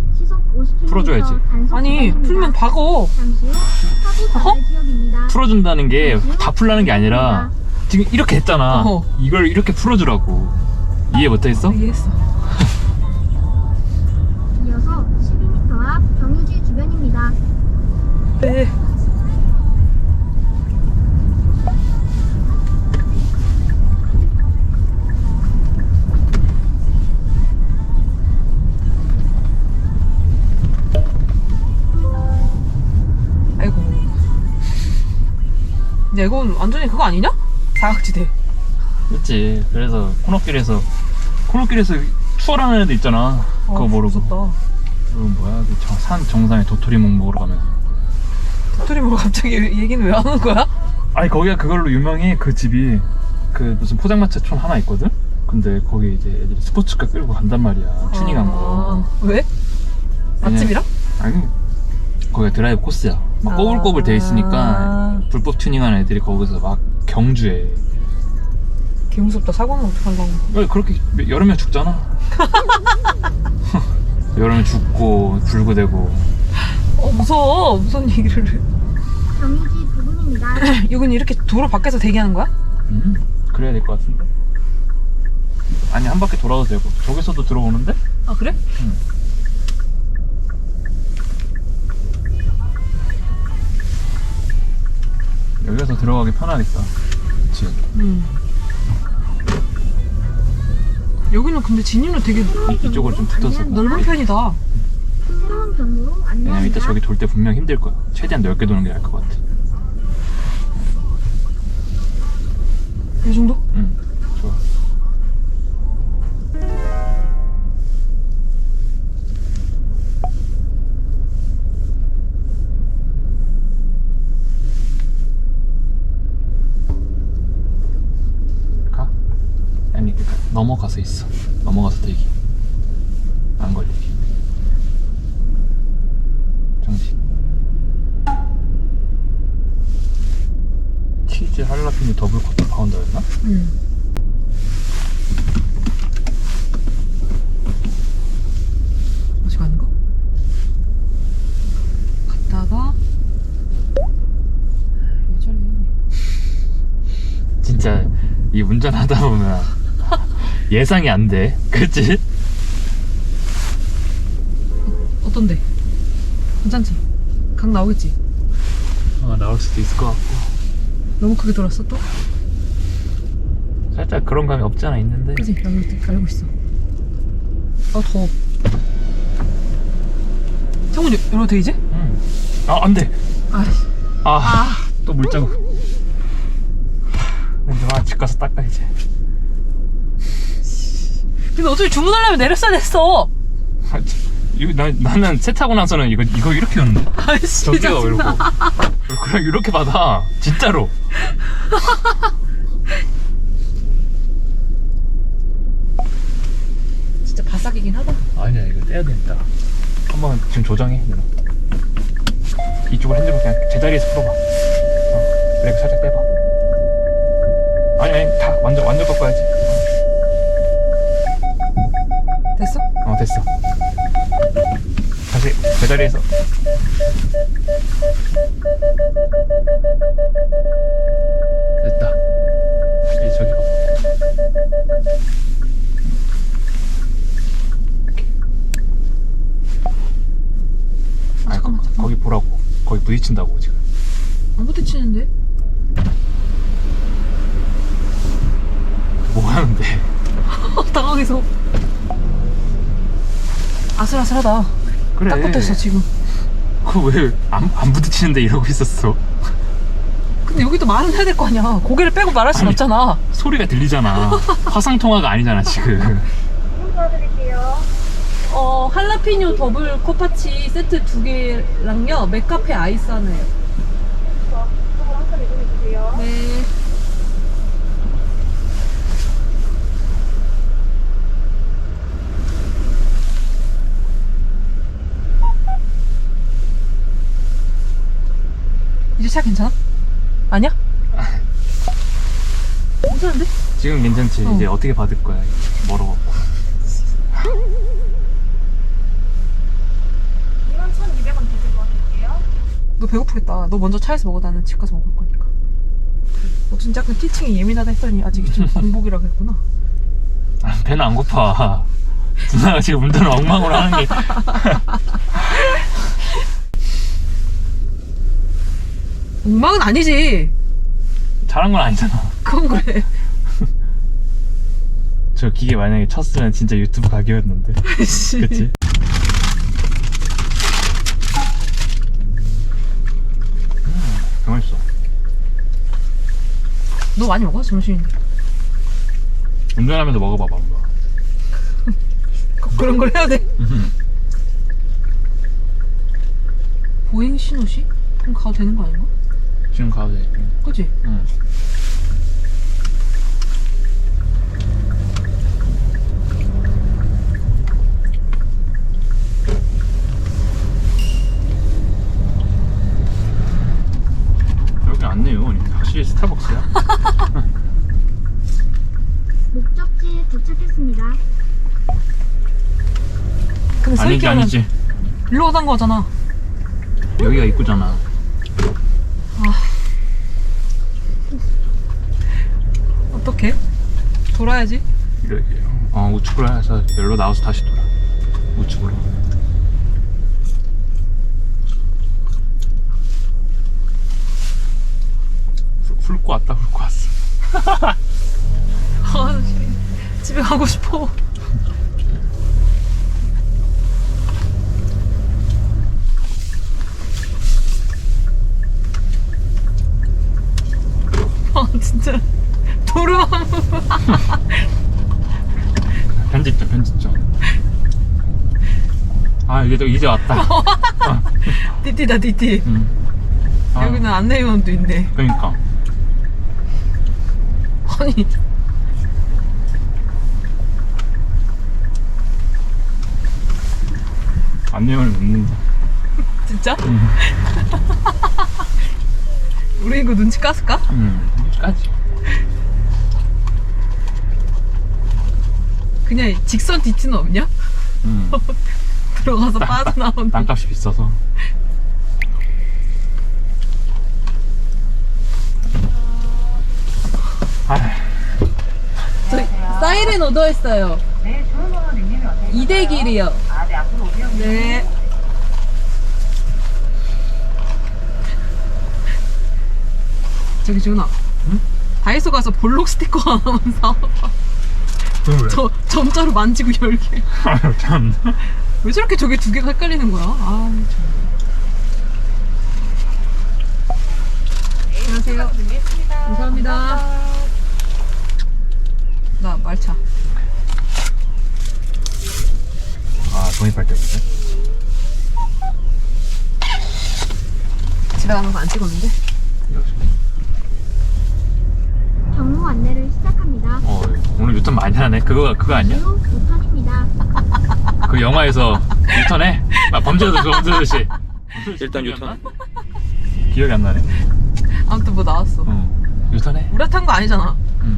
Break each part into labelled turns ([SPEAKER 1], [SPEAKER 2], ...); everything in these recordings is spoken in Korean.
[SPEAKER 1] 풀어줘야지.
[SPEAKER 2] 아니 풀면 박어.
[SPEAKER 1] 풀어준다는 게 다 풀라는 게 아니라 지금 이렇게 했잖아. 이걸 이렇게 풀어주라고. 이해 못했어?
[SPEAKER 2] 이해했어.
[SPEAKER 3] 이어서 12m 앞 경유지 주변입니다.
[SPEAKER 2] 네. 아이고. 근데 이건 완전히 그거 아니냐? 사각지대.
[SPEAKER 1] 그렇지. 그래서 코너길에서 투어라는 애들 있잖아. 그거 모르고.
[SPEAKER 2] 무섭다.
[SPEAKER 1] 그리고 뭐야? 그 산 정상에 도토리묵 먹으러 가면서.
[SPEAKER 2] 도토리묵 갑자기 얘기는 왜 하는 거야?
[SPEAKER 1] 아니 거기가 그걸로 유명해. 그 집이 그 무슨 포장마차촌 하나 있거든. 근데 거기 이제 애들이 스포츠카 끌고 간단 말이야. 튜닝한 거.
[SPEAKER 2] 왜? 맛집이랑?
[SPEAKER 1] 아니 거기가 드라이브 코스야. 막 꼬불꼬불 돼 있으니까 불법 튜닝하는 애들이 거기서 막 경주해.
[SPEAKER 2] 개 무섭다. 사고 나면 어떡하려고.
[SPEAKER 1] 그렇게 여러 명 죽잖아. 여러 명 죽고 불구되고.
[SPEAKER 2] 무서워. 무슨 얘기를 해.
[SPEAKER 3] 경유지 부근입니다.
[SPEAKER 2] 이건 이렇게 도로 밖에서 대기하는 거야?
[SPEAKER 1] 그래야 될 것 같은데. 아니 한 바퀴 돌아도 되고. 저기서도 들어오는데?
[SPEAKER 2] 아 그래?
[SPEAKER 1] 응. 여기서 들어가기 편하겠다. 그치?
[SPEAKER 2] 여기는 근데 진입로 되게
[SPEAKER 1] 이쪽으로 좀 붙어서.
[SPEAKER 2] 넓은 편이다.
[SPEAKER 3] 새로운 경로로
[SPEAKER 1] 왜냐면
[SPEAKER 3] 안내합니다.
[SPEAKER 1] 이따 저기 돌 때 분명 힘들 거야. 최대한 넓게 도는 게 나을 것 같아.
[SPEAKER 2] 이 정도?
[SPEAKER 1] 응, 좋아. 가? 아니, 그러니까 넘어가서 있어. 넘어가서 대기. 안 걸리게. 정식. 치즈 할라피뇨 더블 쿼터 파운더였나?
[SPEAKER 2] 응. 아직 아닌가? 갔다가 왜 저래?
[SPEAKER 1] 진짜 이 운전하다 보면 예상이 안 돼. 그치?
[SPEAKER 2] 어떤데? 괜찮지? 각 나오겠지?
[SPEAKER 1] 나올 수도 있을 것 같고.
[SPEAKER 2] 너무 크게 돌았어 또?
[SPEAKER 1] 살짝 그런 감이 없지 않아 있는데.
[SPEAKER 2] 그지? 알고 있어. 아 더워. 창문 열어도 돼 이제?
[SPEAKER 1] 응. 안 돼.
[SPEAKER 2] 아이씨.
[SPEAKER 1] 또 물자국. 근데 집 가서 닦아 이제.
[SPEAKER 2] 근데 어차피 주문하려면 내렸어야 됐어.
[SPEAKER 1] 나는 세차고 나서는 이거 이렇게 오는데.
[SPEAKER 2] 아이씨
[SPEAKER 1] 전기가 왜 이러고.
[SPEAKER 2] 짜증나.
[SPEAKER 1] 그냥 이렇게 받아. 진짜로.
[SPEAKER 2] 진짜 바삭이긴 하다.
[SPEAKER 1] 아니야 이거 떼야 되겠다. 한번 지금 조정해. 누나. 이쪽을 핸들을 그냥 제자리에서 풀어봐. 브레이크 살짝 빼봐. 아니 다 완전 꺾어야지.
[SPEAKER 2] 됐어?
[SPEAKER 1] 됐어. 다시 제자리에서. 됐다. 이제 저기 가봐. 이렇게.
[SPEAKER 2] 잠깐만.
[SPEAKER 1] 거기 보라고. 거기 부딪힌다고 지금.
[SPEAKER 2] 안 부딪히는데?
[SPEAKER 1] 뭐 하는데?
[SPEAKER 2] 당황해서. 아슬아슬하다.
[SPEAKER 1] 그래.
[SPEAKER 2] 딱 붙어있어 지금.
[SPEAKER 1] 그거 왜 안 부딪히는데 이러고 있었어?
[SPEAKER 2] 근데 여기도 말은 해야 될 거 아니야. 고개를 빼고 말할 순
[SPEAKER 1] 아니,
[SPEAKER 2] 없잖아.
[SPEAKER 1] 소리가 들리잖아. 화상통화가 아니잖아 지금.
[SPEAKER 3] 도와드릴게요.
[SPEAKER 2] 할라피뇨 더블 코파치 세트 2개랑요 맥카페 아이스 하나요.
[SPEAKER 3] 저거 한칸 이동해주세요.
[SPEAKER 2] 네. 이제 차 괜찮아? 아니야? 괜찮은데?
[SPEAKER 1] 지금 괜찮지? 이제 어떻게 받을 거야? 멀어갖고.
[SPEAKER 2] 너 배고프겠다. 너 먼저 차에서 먹어. 나는 집 가서 먹을 거니까. 너 진짜 그 티칭이 예민하다 했더니 아직 좀 공복이라고 했구나.
[SPEAKER 1] 아, 배는 안 고파. 누나가 지금 운전을 엉망으로 하는 게.
[SPEAKER 2] 엉망은 아니지.
[SPEAKER 1] 잘한 건 아니잖아.
[SPEAKER 2] 그건 그래.
[SPEAKER 1] 저 기계 만약에 쳤으면 진짜 유튜브 각이었는데. 그치? 맛있어.
[SPEAKER 2] 너 많이 먹어? 점심.
[SPEAKER 1] 운전하면서 먹어봐봐 한번.
[SPEAKER 2] 그런 걸 해야 돼? 보행 신호시? 그럼 가도 되는 거 아닌가?
[SPEAKER 1] 지금 가도 돼.
[SPEAKER 2] 그치?
[SPEAKER 1] 응. 여기 안 내요. 확실히 스타벅스야.
[SPEAKER 3] 목적지에 도착했습니다.
[SPEAKER 2] 근데
[SPEAKER 1] 아니지
[SPEAKER 2] 서있기는
[SPEAKER 1] 아니지.
[SPEAKER 2] 일로 오던 거잖아.
[SPEAKER 1] 여기가 입구잖아.
[SPEAKER 2] 어떡해? 돌아야지.
[SPEAKER 1] 이렇게 우측으로 해서 여기로 나와서 다시 돌아. 우측으로. 훑고 왔다 훑고 왔어.
[SPEAKER 2] 아, 집에 가고 싶어. 아, 진짜. 도르마무.
[SPEAKER 1] 편집점. 아 이제 왔다.
[SPEAKER 2] 띠띠다, 띠띠.
[SPEAKER 1] 아,
[SPEAKER 2] 여기는 안내요원도 있네.
[SPEAKER 1] 그러니까.
[SPEAKER 2] 아니.
[SPEAKER 1] 안내원을 묻는다.
[SPEAKER 2] 진짜? 우리 이거 눈치 깠을까?
[SPEAKER 1] 까지.
[SPEAKER 2] 그냥 직선 DT는 없냐? 들어가서 빠져나오는.
[SPEAKER 1] 땅값이 비싸서.
[SPEAKER 2] 저희 사이렌 오더했어요.
[SPEAKER 4] 네, 좋은 번호 님님이 어떻게
[SPEAKER 2] 2대 길이요.
[SPEAKER 4] 아, 네, 앞으로 오세요.
[SPEAKER 2] 네. 저기 준아.
[SPEAKER 1] 응?
[SPEAKER 2] 다이소 가서 볼록 스티커 하나만 사와봐.
[SPEAKER 1] 왜?
[SPEAKER 2] 저 점자로 만지고 열게.
[SPEAKER 1] 참.
[SPEAKER 2] 왜 저렇게 저게 두 개가 헷갈리는 거야? 아, 정말. 안녕하세요. 감사합니다. 나 말차.
[SPEAKER 1] 아 돈입할 때문에.
[SPEAKER 2] 집에 가는 거 안 찍었는데?
[SPEAKER 3] 경로 안내를 시작합니다.
[SPEAKER 1] 오늘 유턴 많이 하네. 그거 아니야?
[SPEAKER 3] 이후 우편입니다.
[SPEAKER 1] 그 영화에서 유턴해? 범죄도시. 일단 유턴. 기억이 안 나네.
[SPEAKER 2] 아무튼 뭐 나왔어.
[SPEAKER 1] 유턴해.
[SPEAKER 2] 우리가 탄 거 아니잖아.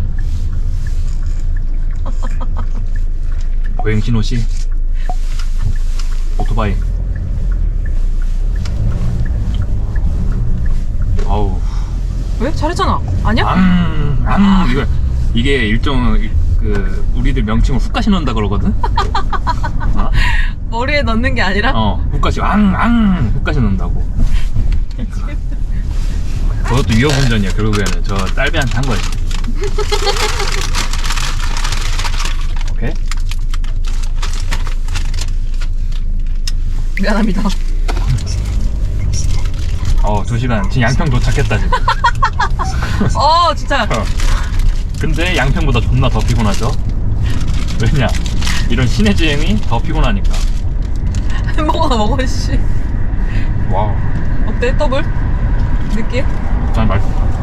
[SPEAKER 1] 보행 신호시. 오토바이. 아우.
[SPEAKER 2] 왜? 잘했잖아. 아니야?
[SPEAKER 1] 이게 일종 그 우리들 명칭을 훅가시 넣는다 그러거든.
[SPEAKER 2] 머리에 넣는 게 아니라?
[SPEAKER 1] 훅가시 훅가시 넣는다고. 그것도 위험운전이야. 결국에는 저 딸배한테 한 거지. 오케이.
[SPEAKER 2] 미안합니다.
[SPEAKER 1] 2시간. 지금 양평 도착했다 지금.
[SPEAKER 2] 진짜.
[SPEAKER 1] 근데 양평보다 존나 더 피곤하죠. 왜냐? 이런 시내 주행이 더 피곤하니까.
[SPEAKER 2] 햄버거나 먹어, 씨.
[SPEAKER 1] 와우.
[SPEAKER 2] 어때, 더블? 느낌?
[SPEAKER 1] 난 맛있다.